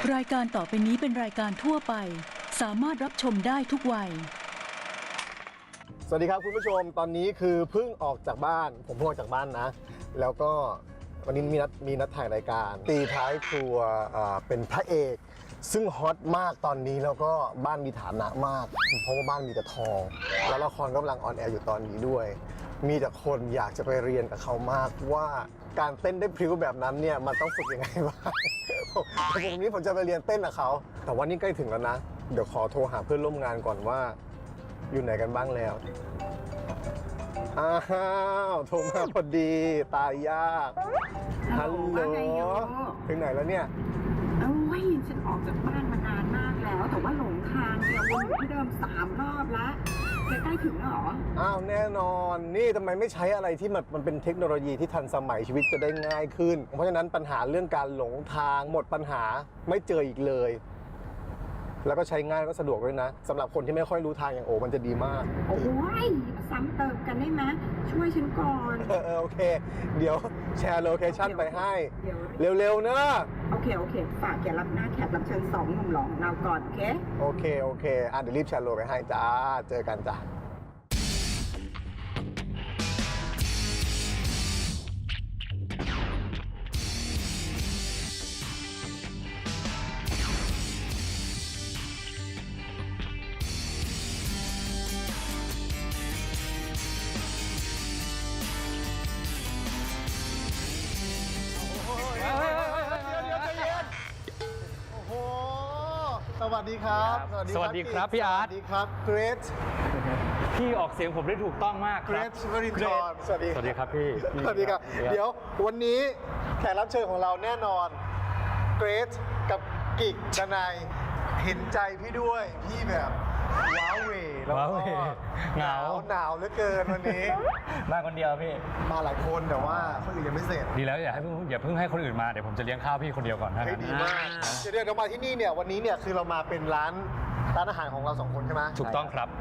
รายการต่อไปนี้เป็นรายการทั่วไปสามารถรับชมได้ทุกวัยสวัสดีครับคุณผู้ชมตอนนี้คือเพิ่งออกจากบ้านผมเพิ่งออกจากบ้านนะแล้วก็วันนี้มีนัดถ่ายรายการตีท้ายครัวเป็นพระเอกซึ่งฮอตมากตอนนี้แล้วก็บ้านมีฐานะมากเพราะว่าบ้านมีแต่ทองแล้วละครกำลังออนแอร์อยู่ตอนนี้ด้วยมีแต่คนอยากจะไปเรียนกับเขามากว่าการเต้นได้พริ้วแบบนั้นเนี่ยมันต้องฝึกยังไงบ้างผมนี้ผมจะไปเรียนเต้นกับเขาแต่ว่านี่ใกล้ถึงแล้วนะเดี๋ยวขอโทรหาเพื่อนร่วมงานก่อนว่าอยู่ไหนกันบ้างแล้วอ้าวโทรมาพอดีตายยากฮัลโหลถึงไหนแล้วเนี่ยฉันออกจากบ้านมานานมากแล้วแต่ว่าหลงทางเนี่ยวนอยู่ที่เดิม3 รอบแล้วใกล้ถึงแล้วเหรออ้าวแน่นอนนี่ทำไมไม่ใช้อะไรที่มันเป็นเทคโนโลยีที่ทันสมัยชีวิตจะได้ง่ายขึ้นเพราะฉะนั้นปัญหาเรื่องการหลงทางหมดปัญหาไม่เจออีกเลยแล้วก็ใช้ง่ายก็สะดวกด้วยนะสำหรับคนที่ไม่ค่อยรู้ทางอย่างโอมันจะดีมากโอ้ยมาซ้ำเติมกันได้ไหมช่วยฉันก่อนโอเคเดี๋ยวแชร์โลเคชั่นไปให้เร็วๆนะโอเคฝากอย่ารับหน้าแขกรับเชิญ2 หนุ่มหล่อของเราก่อนโอเคเดี๋ยวรีบแชร์โลไปให้จ้าเจอกันจ้าสวัสดีครับสวัสดีครับพี่อาร์ตสวัสดีครับเกรทพี่ออกเสียงผมได้ถูกต้องมากครับ Great วรินทร์สวัสดีครับพี่สวัสดีครับเดี๋ยววันนี้แขกรับเชิญของเราแน่นอนเกรทกับกิกดนัยเห็นใจพี่ด้วยพี่แบบว้าวเวแล้วก็หนาวเหลือเกินวันนี้มาคนเดียวพี่มาหลายคนแต่ว่าคนอื่นยังไม่เสร็จดีแล้วอย่าเพิ่งให้คนอื่นมาเดี๋ยวผมจะเลี้ยงข้าวพี่คนเดียวก่อนนะดีมากเดี๋ยวเรามาที่นี่เนี่ยวันนี้เนี่ยคือเรามาเป็นร้านอาหารของเรา2 คนใช่ไหมถูกต้องครับ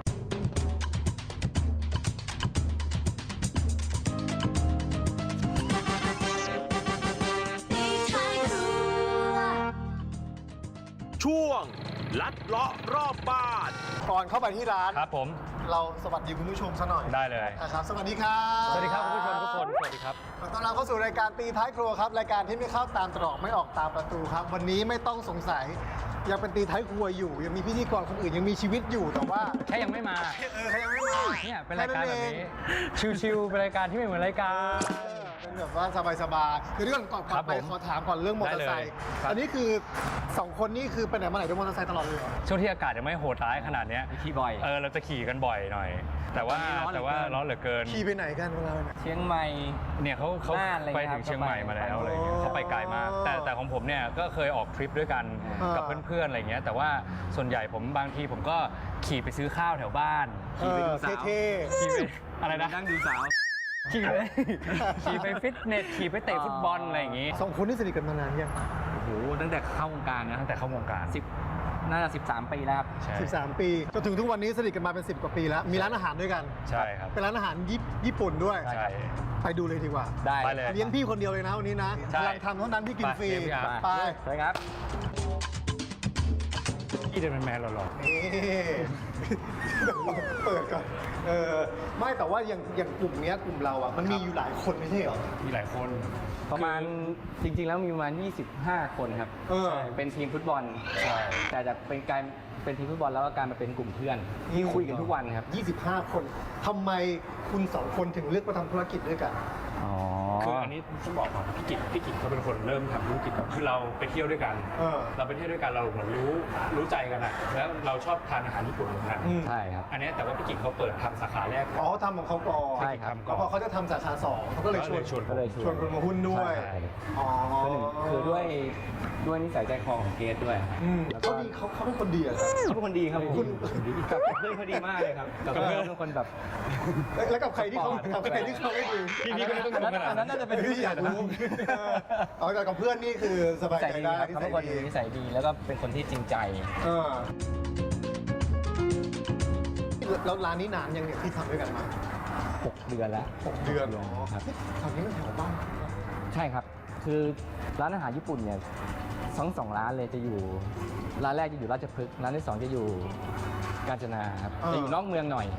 ช่วงลัดเลาะรอบบ้านก่อนเข้าไปที่ร้านครับผมเราสวัสดีคุณผู้ชมซะหน่อยได้เลยครับสวัสดีครับสวัสดีครับคุณผู้ชมทุกคนสวัสดีครับขอต้อนรับเข้าสู่รายการตีท้ายครัวครับรายการที่ไม่เข้าตามตรอกไม่ออกตามประตูครับวันนี้ไม่ต้องสงสัยยังเป็นตีท้ายครัวอยู่ยังมีพิธีกรคนอื่นยังมีชีวิตอยู่แต่ว่าแค่ยังไม่มาแค่ยังไม่มาเนี่ยเป็นรายการแบบนี้ชิวๆเป็นรายการที่ไม่เหมือนรายการเป็นแบบว่าสบายๆเดี๋ยวก่อนไปขอถามก่อนเรื่องมอเตอร์ไซค์อันนี้คือ2 คนนี่คือไปไหนมาไหนด้วยมอเตอร์ไซค์ตลอดเลยช่วงที่อากาศยังไม่โหดร้ายขนาดนี้ขี่บ่อยเราจะขี่กันบ่อยหน่อยแต่ว่าร้อนเหลือเกินขี่ไปไหนกันเราเนี่ยเชียงใหม่เนี่ยเขาไปถึงเชียงใหม่มาแล้วอะไรเงี้ยเขาไปไกลมากแต่ของผมเนี่ยก็เคยออกทริปด้วยกันกับเพื่อนๆอะไรเงี้ยแต่ว่าส่วนใหญ่ผมบางทีผมก็ขี่ไปซื้อข้าวแถวบ้านขี่ไปดูสาวขี่ไปอะไรนะนั่งดูสาวขี่ไปฟิตเนสขี่ไปเตะฟุตบอลอะไรอย่างงี้ 2 คนนี่สนิทกันมานานยังโอ้โหตั้งแต่เข้าวงการนะตั้งแต่เข้าวงการน่าจะ13 ปีแล้วครับ 13 ปีจนถึงทุกวันนี้สนิทกันมาเป็น10 กว่าปีแล้วมีร้านอาหารด้วยกันใช่ครับเป็นร้านอาหารญี่ปุ่นด้วยใช่ไปดูเลยดีกว่าได้เลี้ยงพี่คนเดียวเลยนะวันนี้นะกำลังทำเท่านั้นพี่กินฟรีไปครับพี่เดินเป็นแมนหล่อเปิดก่อนไม่แต่ว่าอย่างกลุ่มนี้กลุ่มเราอ่ะมันมีอยู่หลายคนไม่ใช่เหรอมีหลายคนประมาณจริงๆแล้วมีประมาณ25 คนครับเป็นทีมฟุตบอลแต่จะเป็นทีมฟุตบอลแล้วก็การมาเป็นกลุ่มเพื่อนที่คุยกันทุกวันครับ 25 คนทำไมคุณ2 คนถึงเลือกมาทำธุรกิจด้วยกันคืออันนี้ต้องบอกก่อนพี่กิจเขาเป็นคนเริ่มทำธุรกิจคือเราไปเที่ยวด้วยกันเราไปเที่ยวด้วยกันเราเหมือนรู้ใจกันอะแล้วเราชอบทานอาหารญี่ปุ่นเหมือนกันใช่ครับอันนี้แต่ว่าพี่กิจเขาเปิดทำสาขาแรกทำของเขาก่อนใช่ครับพอเขาจะทำสาขา2เขาก็เลยชวนคนมาหุ้นด้วยคือด้วยนิสัยใจคอของเกรทด้วยเขาเป็นคนดีอะเขาเป็นคนดีครับคุณกับเพื่อนเขาดีมากเลยครับกับเพื่อนทุกคนแบบแล้วกับใครที่เขาไม่ดีพี่ก็ไม่ต้องรู้ขนาดนั้นน่าจะเป็นที่อยากรู้แต่กับเพื่อนนี่คือสบายใจได้เขาเป็นคนนิสัยดีแล้วก็เป็นคนที่จริงใจแล้วร้านนี้นานยังเนี่ยที่ทำด้วยกันมา 6 เดือนแล้ว 6 เดือนครับแถวนี้มันแถวบ้านใช่ครับคือร้านอาหารญี่ปุ่นเนี่ยสองร้านเลยจะอยู่ร้านแรกจะอยู่ราชพฤกษ์ร้านที่ 2จะอยู่กาญจนาครับจะอยู่นอกเมืองหน่อย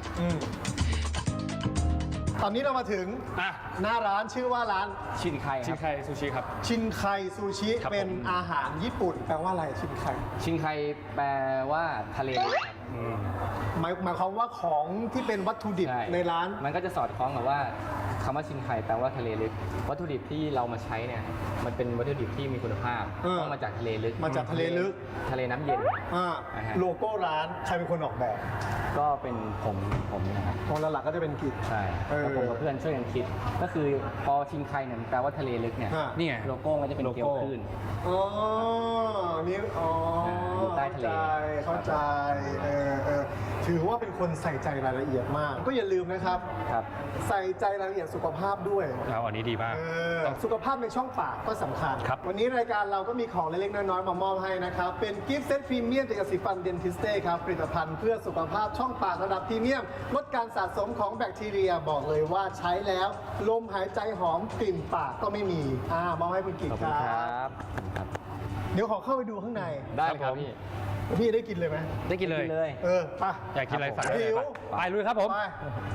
ตอนนี้เรามาถึงอ่ะหน้าร้านชื่อว่าร้านชินไคชินไคซูชิครับชินไคซูชิครับผมเป็นอาหารญี่ปุ่นแปลว่าอะไรชินไคชินไคแปลว่าทะเลลึกครับหมายความว่าของที่เป็นวัตถุดิบช่ในร้านมันก็จะสอดคล้องกับว่าคำว่าชินไคแปลว่าทะเลลึกวัตถุดิบที่เรามาใช้เนี่ยมันเป็นวัตถุดิบที่มีคุณภาพเออต้องมาจากทะเลลึกมาจากทะเลลึกทะเลน้ำเย็นอ่าอ่าฮะโลโก้ร้านใครเป็นคนออกแบบก็เป็นผมนะครับของหลักๆก็จะเป็นกิจใช่เออแล้วผมกับเพื่อนช่วยกันคิด ก็คือพอชินไคเนี่ยมันแปลว่าทะเลลึกเนี่ยฮะนี่ไงโลโก้ก็จะเป็นเกลียวคลื่นอ๋อนี่อ๋ออยู่ใต้ทะเลเข้าใจถือว่าเป็นคนใส่ใจรายละเอียดมาก ก็อย่าลืมนะครับครับใส่ใจรายละเอียดสุขภาพด้วยเอาอันนี้ดีมากสุขภาพในช่องปากก็สำคัญครับวันนี้รายการเราก็มีของเล็กๆน้อยๆมามอบให้นะครับ เป็นกิฟต์เซตพรีเมียมจากยาสีฟันเดนทิสเต้ครับ ผลิตภัณฑ์เพื่อสุขภาพช่องปากระดับพรีเมียม ลดการสะสมของแบคทีเรียบอกเลยว่าใช้แล้ว ลมหายใจหอมกลิ่นปากก็ไม่มีมอบให้คุณกิฟขอบต์คุคณรัครับ บครับเดี๋ยวขอเข้าไปดูข้างในได้ครับพี่พี่ได้กินเลยไหมได้กินเลยไปอยากกินอะไรสั่งได้เลยหิวไปลุยครับผมไป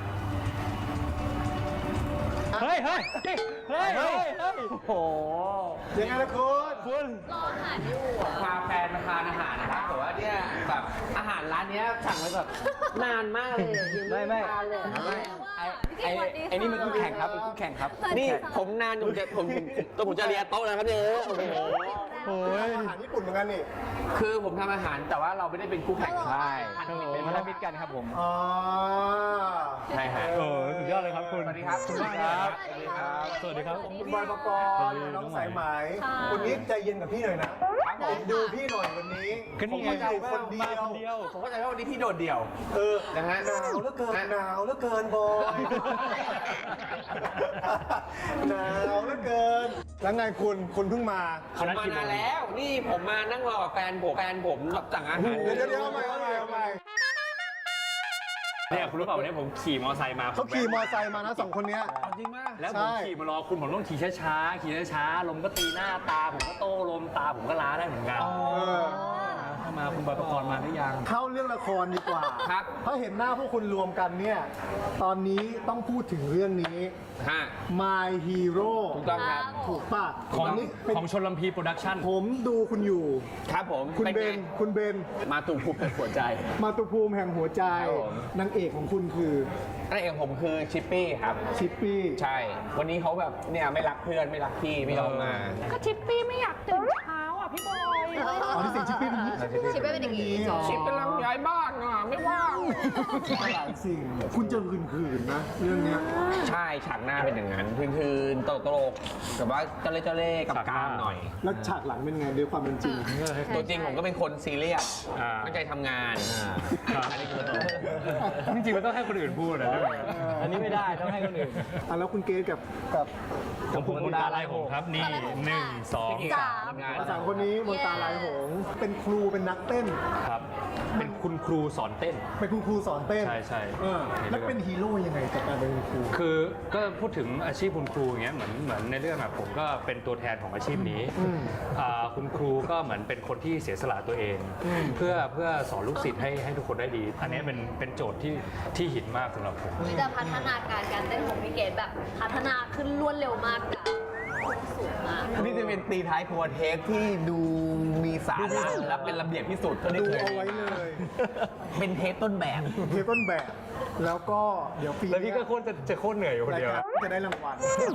เฮ้ยเฮ้ยเฮ้ยเฮ้ยโอ้โหยังไงล่ะคุณพาแฟนมาทานอาหารนะครับแต่ว่าเนี่ยแบบอาหารร้านเนี้ยสั่งไว้แบบนานมากเลยไม่ไอ้นี่มันคู่แข่งครับเป็นคู่แข่งครับนี่ผมนานผมจะเรียนโต๊ะนะครับเนี่ยโอ้โหโอ้ยอาหารญี่ปุ่นเหมือนกันนี่คือผมทำอาหารแต่ว่าเราไม่ได้เป็นคู่แข่งใช่เป็นพันธมิตรกันครับผมอ๋อใช่ฮะสุดยอดเลยครับคุณสวัสดีครับสวัสดีครับ สวัสดีครับ สวัสดีครับคุณบอยปกรณ์น้องสายไหมวันนี้ใจเย็นกับพี่หน่อยนะดูพี่หน่อยวันนี้ก็นี่ไงผมอยู่คนเดียวผมเข้าใจว่าวันนี้พี่โดดเดี่ยว นะฮะหนาวเหลือเกินหนาวเหลือเกินบอยหนาวเหลือเกินแล้วไงคุณเพิ่งมาผมมานานแล้ว นี่ผมมานั่งรอกับแฟนผมแบบสั่งอาหารเดี๋ยวเอาใหม่เนี่ยคุณรู้เปล่าวันนี้ผมขี่มอไซค์มาเขาขี่มอไซค์มานะสองคนเนี้ยจริงมากแล้วผมขี่มารอคุณผมต้องขี่ช้าๆขี่ช้าๆลมก็ตีหน้าตาผมก็โต้ลมตาผมก็ล้าได้เหมือนกันเข้ามาคุณบอยปกรณ์มาหรือยังเข้าเรื่องละครดีกว่าครับถ้าเห็นหน้าพวกคุณรวมกันเนี่ยตอนนี้ต้องพูดถึงเรื่องนี้ฮะ My Hero ถูกต้องครับถูกป่ะของนนี้เป็นของชนลำพีโปรดักชั่นผมดูคุณอยู่ครับผมคุณป็นเบไงน คุณเบนมาตุภูมิเป็นหัวใจมาตุภูมิแห่งหัวใจครับผมนางเอกของคุณคือนั่นเองผมคือชิปปี้ครับชิปปี้ใช่ วันนี้เขาแบบเนี่ยไม่รักเพื่อนไม่รักพี่ไม่ยอมมาก็ชิปปี้ไม่อยากตื่นเช้าอ่ะพี่บอยอ๋อที่เสียงชิปปี้เป็นอย่างนี้ชิปปี้เป็นอย่างนี้อ๋อชิปกำลังย้ายบ้านอ่ะไม่ว่างหลายสิ่ง คุณจะคืนๆนะ เรื่องเนี้ยใช่ฉากหน้าเป็นอย่างนั้นคืนๆตลกๆแบบว่าเจ้าเล่ห์กับกามหน่อยแล้วฉากหลังเป็นไงด้วยความเป็นจริงตัวจริงผมก็เป็นคนซีเรียสอ่าตั้งใจทำงาน อันนี้คือจริงๆมันต้องให้คนอื่นพูดนะอันนี้ไม่ได้ต้องให้คนอื่นแล้วคุณเกณกับของผมมนตาลายหงส์ครับนี่1 2 งานสามคนนี้มนตาลายหงส์เป็นครูเป็นนักเต้น 3ครับ เป็นคุณครูสอนเต้นเป็นคุณครูสอนเต้นใช่แล้วเป็นฮีโร่ยังไงจากการเป็นคุณครูคือก็พูดถึงอาชีพคุณครูอย่างเงี้ยเหมือนในเรื่องแบบผมก็เป็นตัวแทนของอาชีพนี้คุณครูก็เหมือนเป็นคนที่เสียสละตัวเอง เพื่อสอนลูกศิษย์ให้ทุกคนได้ดี อันนี้เป็นโจทย์ที่หินมากสำหรับผมวิธีพัฒนาการเต้นของพี่เกดแบบพัฒนาขึ้นรวดเร็วมากอะสูงมากนี่จะเป็นตีท้ายครัวเทปที่ดูมีสาระและเป็นระเบียบที่สุดเท่าที่ดูเคยเอามีไว้เลยเป็นเทปต้นแบบเทปต้นแบบ แล้วก็เดี๋ยวปีแล้วพี่ก็จะโคตรเหนื่อยอยู่คนรายเดียวการจะได้รางวัล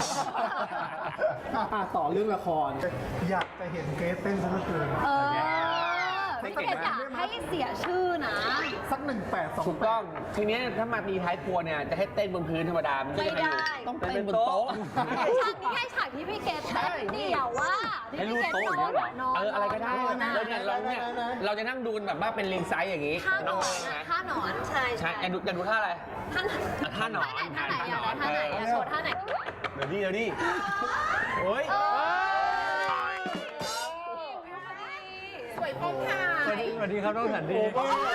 ต่อเรื่องละคร อยากจะเห็นเกรซเต้นซะเหลือเกินพี่เกดอยากให้เสียชื่อนะสัก1828 ถูกต้อง ทีเนี้ยถ้ามาตีท้ายครัวเนี่ยจะให้เต้นบนพื้นธรรมดามันก็จะไม่ได้ต้องเต้นบนโต๊ะฉากนี้ให้ฉากที่พี่เกดเต้นเดี่ยวว่าที่พี่เกดนอนอะไรก็ได้แล้วเนี่ยเราจะนั่งดูกันแบบว่าเป็นลิงไซส์อย่างนี้ท่าหนน้องอนใช่ไหมท่าหนอนใช่ใช่จะดูท่าอะไรท่าหนอนท่าหนอนท่าไหนท่าไหนอยากโชว์ท่าไหนเดี๋ยวดิโอ้ยสวยพงค่ะสวัสดีครับน้องสันดี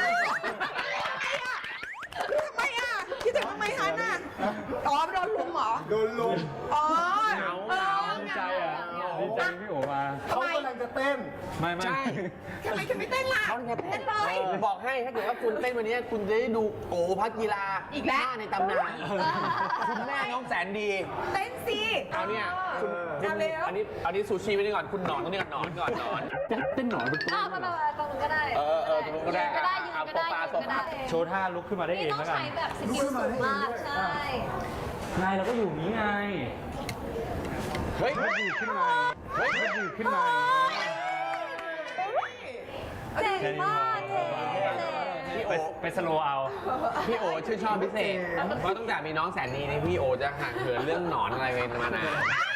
คิดถึงทำไมคะน่ะอ๋อโดนลุมเหรอโดนลุมอ๋อดีใจอ่ะดีใจพี่โอมาเขากำลังจะเต้นไม่ใช่ทำไมถึงไม่เต้นล่ะเขาเนี่ยเต้นเลยบอกให้ถ้าเกิดว่าคุณเต้นวันนี้คุณจะได้ดูโอพักกีฬาอีกแล้วหน้าในตำนานคุณแม่น้องแสนดีเต้นสิเอาเนี่ยคุณเอาเร็วอันนี้ซูชิไว้นี่ก่อนคุณหนอนตรงนี้ก่อนหนอนก่อนหนอนเต้นหนอนเป็นตัวไปตรงนู้นก็ได้ตรงนู้นก็ได้ยืนก็ได้ยืนเอาก็ได้โซฟายืนก็ได้โชว์ท่าลุกขึ้นมาได้เอนี่งต้องแล้วกันใช้แบบสกิลสูงมากใช่ไงเราก็อยู่นี้ไงเฮ้ยขึ้นมาเฮ้ยขึ้นมาเจ๋งมากเจ๋งพี่โอไปสโลว์เอาพี่โอชื่นชอบพิเศษเพราะตั้งแต่มีน้องแสนดีนี่พี่โอจะห่างเหินเรื่องหนอนอะไรไปมานาน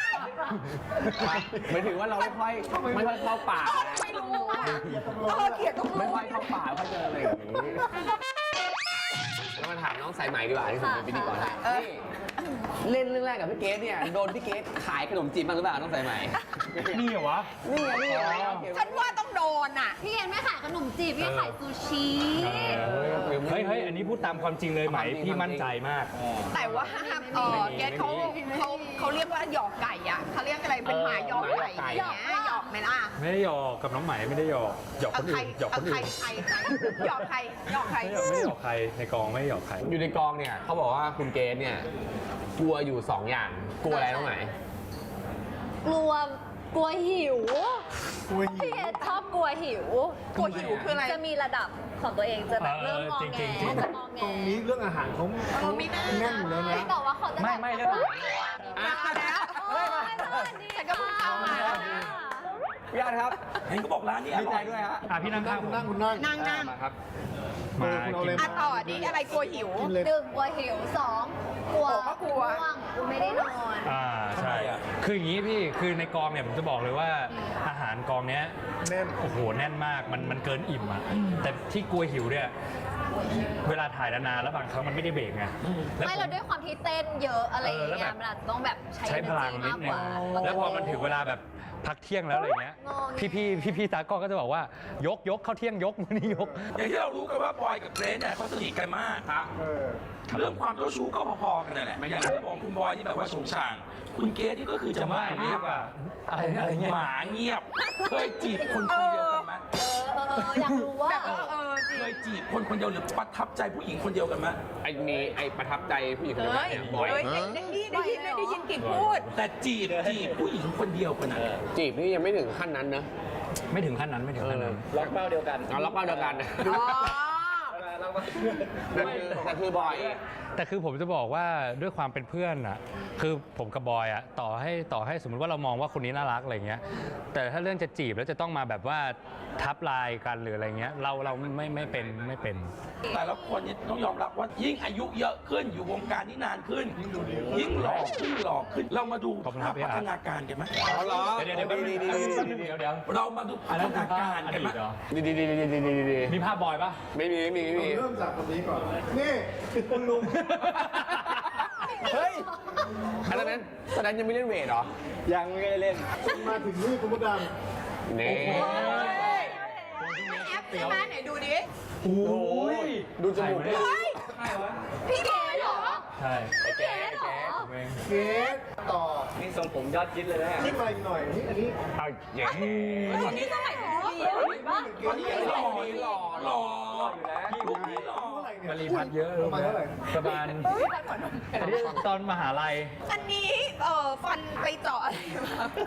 หมายถึงว่าเราไม่ค่อยเข้าป่าไม่รู้ว่าเกลียดตรงไม่นู้นค่อยเข้าป่าเขาเจออะไรอย่างนี้แล้วมาถามน้องสายใหม่ดีกว่าที่ผมเป็นพิธีกรนี่เล่นเรื่องแรกกับพี่เกดเนี่ยโดนพี่เกดขายขนมจีบบ้างหรือเปล่าน้องสายใหม่นี่เหรอวะนี่ไงฉันว่าต้องโดนอ่ะพี่เอ็นไม่ขายขนมจีบพี่ขายซูชิเฮ้ยอันนี้พูดตามความจริงเลยไหมพี่มั่นใจมากแต่ว่าเกดเขาเรียกว่าหยอกไก่อ่ะเขาเรียกอะไรเป็นหมาหยอกไก่อย่างเงี้ยหยอกไหมล่ะไม่ได้หยอกกับน้องไหมไม่ได้หยอกหยอกคนอื่นหยอกคนอื่นใครหยอกใครหยอกใครไม่ได้หยอกใครในกองไม่ได้หยอกใครอยู่ในกองเนี่ยเขาบอกว่าคุณเกดเนี่ยกลัวอยู่2อย่างกลัวอะไรน้องไหมกลัวหิวพี่เอ็นชอบกลัวหิวกลัวหิวคืออะไรจะมีระดับของตัวเองจะแบบเริ่มงอจริงแงๆจริงจะงอแงตรงนี้เรื่องอาหารเขาไม่น่าแน่นอยู่แล้วนะแต่ว่าเขาจะแบบไม่เรื่องมาแล้วโอ้ยสวัสดีฉันก็เพิ่งเข้ามาพี่อาร์ตครับเห็นก็บอกร้านนี้อดีร่ใจอยด้วยฮะพี่นั่งข้างคุณนั่งนั่งมาครับมาคุณเอากิเลยนอ่ะต่อดิอะไรกลัวหิวกินเลย 1กลัวหิว2กลัวก็กลัวง่วงกูไม่ได้นอนใช่คืออย่างนี้พี่คือในกองเนี่ยผมจะบอกเลยว่าอาหารกองเนี้ยแน่นโอ้โหแน่นมากมันเกินอิ่มอ่ะแต่ที่กลัวหิวเนี่ยเวลาถ่ายนานๆแล้วบางครั้งมันไม่ได้เบรกไงแล้วไม่เราด้วยความที่เต้นเยอะอะไรอย่างแล้วเงี้แบยบมันอาจจะต้องแบบใช้ใช้พลังนิดนึงแล้วพอมันถึงเวลาแบบพักเที่ยงแล้วอะไรเงี้ยงอแงพี่ตากล้องก็จะบอกว่ายกเข้าเที่ยงยกมื้อนี้ยกอย่างที่เรารู้กันว่าบอยกับเกรซเนี่ยเขาสนิทกันมากครับเออเรื่องความเจ้าชู้ก็พอๆกันนั่นแหละอย่างที่บอกคุณบอยนี่แบบว่าโฉงฉาง คุณเกรซนี่ก็คือจะมาเงียบอะไรเงี้ยหมาเงียบ เคยจีบคนคนเดียวกันไหมอยากรู้ว่าแบบจริงเคยจีบคนคนเดียวหรือประทับใจผู้หญิงคนเดียวกันไหมไอ้ประทับใจผู้หญิงคนเฮ้นี้ยเนี่ยบ่อยได้ยินกิ่งพูดแต่จีบผู้หญิงคนเดียวกันนะจีบนี่ยังไม่ถึงขั้นนั้นนะไม่ถึงขั้นนั้นไม่ถึงขั้นนั้นล็อกเป้าเดียวกันเอาล็อกเป้าเดียวกันอ๋อแต่คือบอยแต่คือผมจะบอกว่าด้วยความเป็นเพื่อนอ่ะคือผมกับบอยอ่ะต่อให้สมมติว่าเรามองว่าคนนี้น่ารักอะไรเงี้ยแต่ถ้าเรื่องจะจีบแล้วจะต้องมาแบบว่าทับลายกันหรืออะไรเงี้ยเราไม่เป็นแต่ละคนเนี่ยต้องยอมรับว่ายิ่งอายุเยอะขึ้นอยู่วงการนี้นานขึ้น ยิ่งหล่อขึ้นเรามาดูขอบคุณคภารัพบพี่พัอาร์ฒตนาการกันไหมเอาเหรอเดี๋ยวแป๊บนึงเดี๋ยวเรามาดูพัอันฒนั้นคือนาภาพการอกันดีไหมตเหรอดีมีภาพบอยปะไม่มีเราเริ่มจากคนนี้ก่อน นี่คุณลุงเฮ้ยอันนั้นยังไม่เล่นเวทเหรอยังไม่ได้เล่นคุณมาถึงนี่คุณมดดนี่แอปใช่ไหมไหนดูดิโอ้ยดูจมูกดิเฮ้ยพี่เก๋เหรอใช่เก๋เหรอำเกสต่อนี่ทรงผมยอดคิดเลยนะนี่มาอีกหน่อยนี่อันนี้เอาอย่างตอนนี้เท่าไหร่ดูดีอะเห็นปะตอนนี้ยังหล่ออยู่นะลูกนี้หล่อเท่าไหร่เนี่ยมารีพัดเยอะประมาณเท่าไหร่ประมาณอันนี้ตอนมหาลัยอันนี้ฟันไปเจาะอะไรมา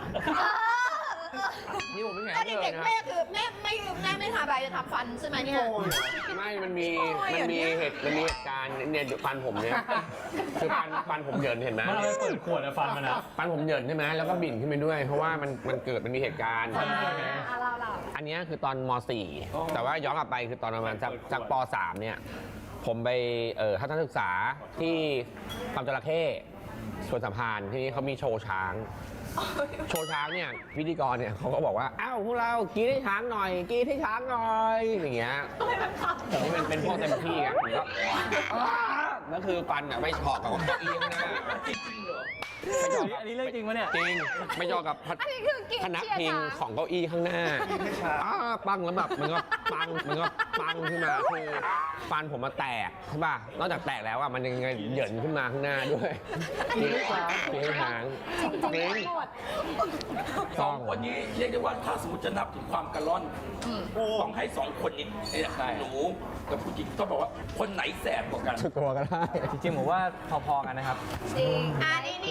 นี่ผมไม่แข็งตอนเลยเด็กนะแม่คือแม่ไม่ทำอะไรจะทำฟันใช่ไหมเนี่ยไม่มันมีเหตุการณ์เนี่ยฟันผมเนี่ยคือฟันผมเหยินเห็นไหมมันเอาไปเปิดขวดอะฟันมันอะฟันผมเหยินใช่ไหมแล้วก็บิ่นขึ้นไปด้วย เพราะว่ามันมีเหตุการณ์เราอันเนี้ยคือตอนม .4 แต่ว่าย้อนกลับไปคือตอนประมาณจากป .3 เนี่ยผมไปทัศนศึกษาที่ฟาร์มจระเข้สวนสัมพันธ์ที่นี่เขามีโชว์ช้างเนี่ยพิธีกรเนี่ยเขาก็บอกว่าอ้าวพวกเรากรีดให้ช้างหน่อยกรีดให้ช้างหน่อยอย่างเงี้ยผมนี่เป็นพวกเต็มที่อ่ะผมก็ก็คือฟันอะไปเฉาะกับเก้าอี้ข้างหน้าจริงๆเหรออันนี้เรื่องจริงปะเนี่ยจริงไปเฉาะกับอันนี้คือกินพนักเชียร์พิงช้างของเก้าอี้ข้างหน้าปังแล้วแบบมันก็ปังขึ้นมาคือฟันผมมาแตกใช่ป่ะนอกจากแตกแล้วอะมันยังเหยินขึ้นมาข้างหน้าด้วยจริงหางจริงๆหมดสองคนนี้เรียกได้ว่าถ้าสมมติจะนับถึงความกระล่อนต้องให้สองคนนี้หนูกับผู้หญิงต้องบอกว่าคนไหนแสบกว่ากันตัวก็ได้จริงๆผมว่าพอๆกันนะครับจริงนี่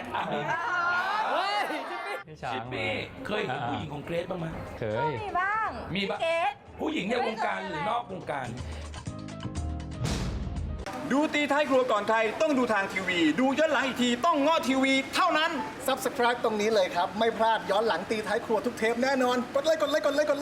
พี่ช้าชิงปปี้เคยเห็นผู้หญิงของเกรซบ้างไหมเคยมีบ้างมีปะเกสผู้หญิงในวงการหรือนอกวงการดูตีท้ายครัวก่อนใครต้องดูทางทีวี ดูย้อนหลังอีกทีต้องง้อทีวีเท่านั้น Subscribe ตรงนี้เลยครับ ไม่พลาดย้อนหลังตีท้ายครัวทุกเทปแน่นอน กดไลค์